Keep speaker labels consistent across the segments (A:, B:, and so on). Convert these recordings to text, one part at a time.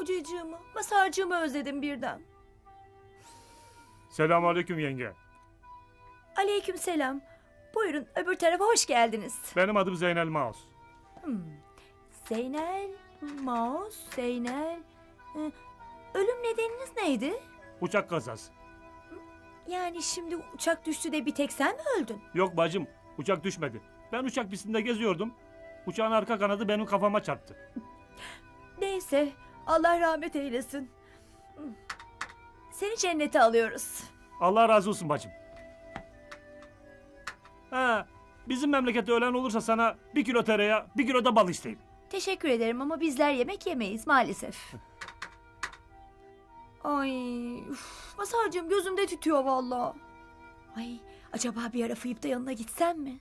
A: Kocacığımı, Masarcığımı özledim birden.
B: Selamünaleyküm yenge.
A: Aleykümselam. Buyurun öbür tarafa hoş geldiniz.
B: Benim adım Zeynel Maus.
A: Zeynel, Maus, Zeynel. Ölüm nedeniniz neydi?
B: Uçak kazası.
A: Yani şimdi uçak düştü de bir tek sen mi öldün?
B: Yok bacım, uçak düşmedi. Ben uçak pistinde geziyordum. Uçağın arka kanadı benim kafama çarptı.
A: Neyse, Allah rahmet eylesin. Seni cennete alıyoruz.
B: Allah razı olsun bacım. Ha, bizim memlekette ölen olursa sana 1 kilo tereyağı, 1 kilo da bal isteyeyim.
A: Teşekkür ederim ama bizler yemek yemeyiz maalesef. Ay, Masarcığım gözümde tütüyor vallahi. Ay, acaba bir ara fıyıp da yanına gitsem mi?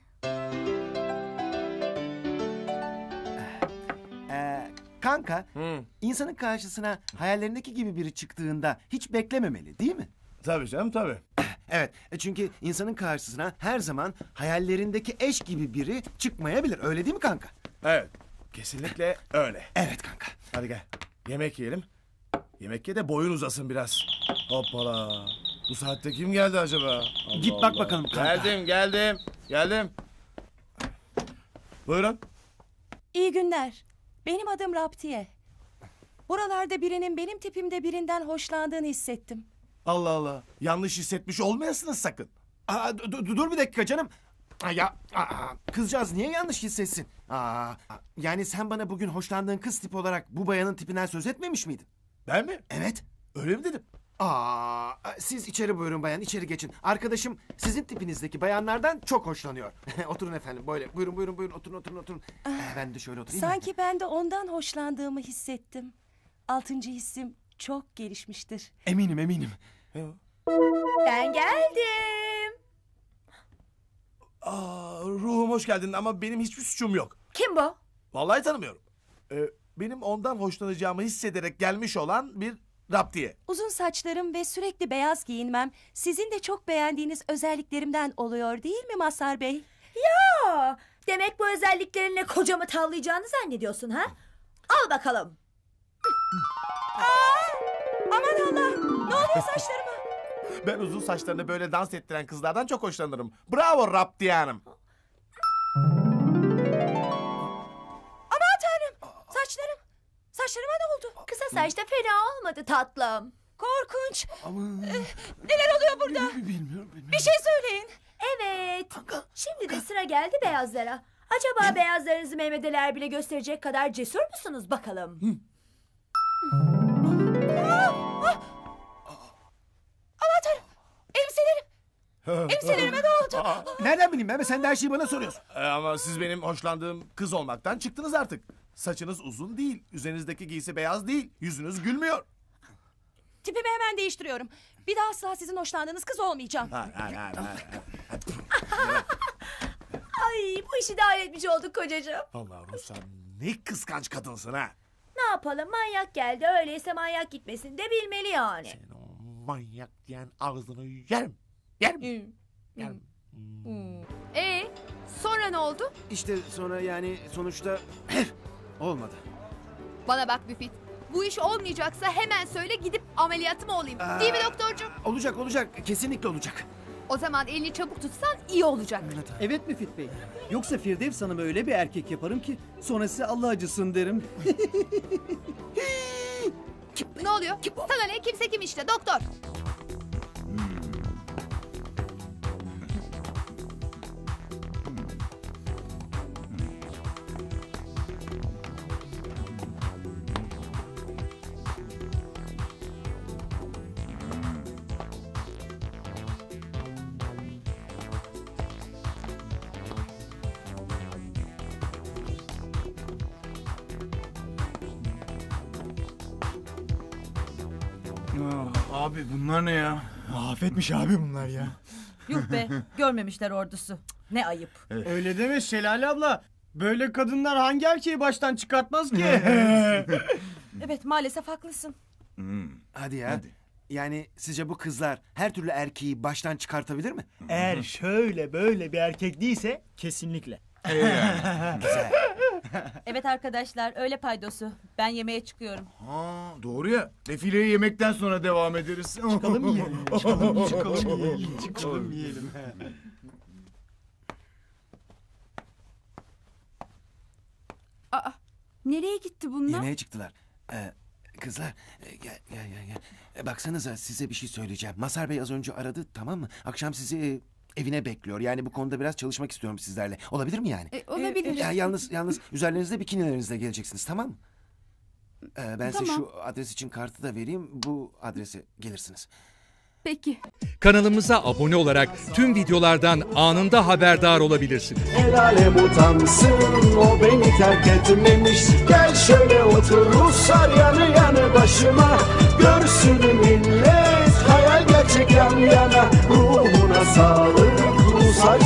C: Kanka, insanın karşısına hayallerindeki gibi biri çıktığında hiç beklememeli değil mi?
D: Tabii canım tabii.
C: Evet, çünkü insanın karşısına her zaman hayallerindeki eş gibi biri çıkmayabilir. Öyle değil mi kanka?
D: Evet. Kesinlikle öyle.
C: Evet kanka.
D: Hadi gel. Yemek yiyelim. Yemek ye de boyun uzasın biraz. Hoppala. Bu saatte kim geldi acaba? Allah
C: Git bak bakalım kanka.
D: Geldim. Buyurun.
E: İyi günler. Benim adım Raptiye. Buralarda birinin benim tipimde birinden hoşlandığını hissettim.
D: Allah Allah. Yanlış hissetmiş olmayasınız sakın.
C: Dur bir dakika canım. Kızcağız niye yanlış hissetsin? Yani sen bana bugün hoşlandığın kız tip olarak bu bayanın tipinden söz etmemiş miydin?
D: Ben mi?
C: Evet.
D: Öyle mi dedim?
C: Siz içeri buyurun bayan, içeri geçin. Arkadaşım sizin tipinizdeki bayanlardan çok hoşlanıyor. Oturun efendim, böyle. Buyurun, oturun. Ben de şöyle oturayım.
E: Sanki ben de ondan hoşlandığımı hissettim. 6. hissim çok gelişmiştir.
C: Eminim.
A: Ben geldim.
D: Ruhum hoş geldin ama benim hiçbir suçum yok.
A: Kim bu?
D: Vallahi tanımıyorum. Benim ondan hoşlanacağımı hissederek gelmiş olan bir Raptiye.
E: Uzun saçlarım ve sürekli beyaz giyinmem sizin de çok beğendiğiniz özelliklerimden oluyor değil mi Mazhar Bey?
A: Aa, demek bu özelliklerinle kocamı tavlayacağını zannediyorsun ha? Al bakalım.
E: Aman Allah! Ne oluyor saçlarıma?
D: Ben uzun saçlarını böyle dans ettiren kızlardan çok hoşlanırım. Bravo Raptiye Hanım.
E: Aman Tanrım! Saçlarıma ne oldu?
A: Kısa saç da fena olmadı tatlım.
E: Korkunç!
C: Aman.
E: Neler oluyor burada?
C: Bilmiyorum.
E: Bir şey söyleyin.
A: Evet. Şimdi de sıra geldi beyazlara. Acaba beyazlarınızı Mehmet bile gösterecek kadar cesur musunuz bakalım?
E: Aman Tanrım! Elbiselerime ne oldu?
C: Nereden bileyim ben? Sen de her şeyi bana soruyorsun.
D: Ama siz benim hoşlandığım kız olmaktan çıktınız artık. Saçınız uzun değil, üzerinizdeki giysi beyaz değil, yüzünüz gülmüyor.
E: Tipimi hemen değiştiriyorum. Bir daha asla sizin hoşlandığınız kız olmayacağım.
D: Hayır.
A: Ay, bu işi de halletmiş olduk kocacığım.
D: Vallahi Ruslan ne kıskanç kadınsın ha.
A: Ne yapalım, manyak geldi, öyleyse manyak gitmesin de bilmeli yani.
D: Senin o manyak diyen ağzını yerim. Yerim.
F: Sonra ne oldu?
C: İşte sonra yani sonuçta olmadı.
F: Bana bak Müfit. Bu iş olmayacaksa hemen söyle, gidip ameliyatımı olayım. Değil mi doktorcuğum?
C: Olacak. Kesinlikle olacak.
F: O zaman elini çabuk tutsan iyi olacak.
G: Evet Müfit Bey. Yoksa Firdevs Hanım'ı öyle bir erkek yaparım ki sonrası Allah acısın derim.
F: Ne oluyor? Sana ne? Kimse kim işte doktor.
H: Abi bunlar ne ya? Afetmiş abi bunlar ya.
I: Yuh be, görmemişler ordusu. Ne ayıp.
H: Öyle deme Şelale abla. Böyle kadınlar hangi erkeği baştan çıkartmaz ki?
E: Evet maalesef haklısın.
C: Hadi ya. Yani sizce bu kızlar her türlü erkeği baştan çıkartabilir mi?
H: Eğer şöyle böyle bir erkek değilse kesinlikle.
C: Güzel.
I: Evet arkadaşlar öyle paydosu. Ben yemeğe çıkıyorum.
J: Ha, doğru ya. Defileye yemekten sonra devam ederiz.
G: Çıkalım yiyelim. Çıkalım yiyelim.
F: Aa, nereye gitti bunlar?
C: Yemeğe çıktılar. Kızlar gel. Baksanıza size bir şey söyleyeceğim. Mazhar Bey az önce aradı, tamam mı? Akşam sizi evine bekliyor. Yani bu konuda biraz çalışmak istiyorum sizlerle. Olabilir mi yani?
F: Olabilir.
C: Yalnız üzerlerinizde bikinilerinizle geleceksiniz, tamam mı? Ben size
F: Tamam.
C: şu adres için kartı da vereyim. Bu adrese gelirsiniz.
F: Peki.
K: Kanalımıza abone olarak tüm videolardan anında haberdar olabilirsiniz.
L: El alem utansın, o beni terk etmemiş. Gel şöyle otur Ruslar yanı yanı başıma. Görsün millet hayal gerçek yan yana. Ruhuna sağlık Ruslar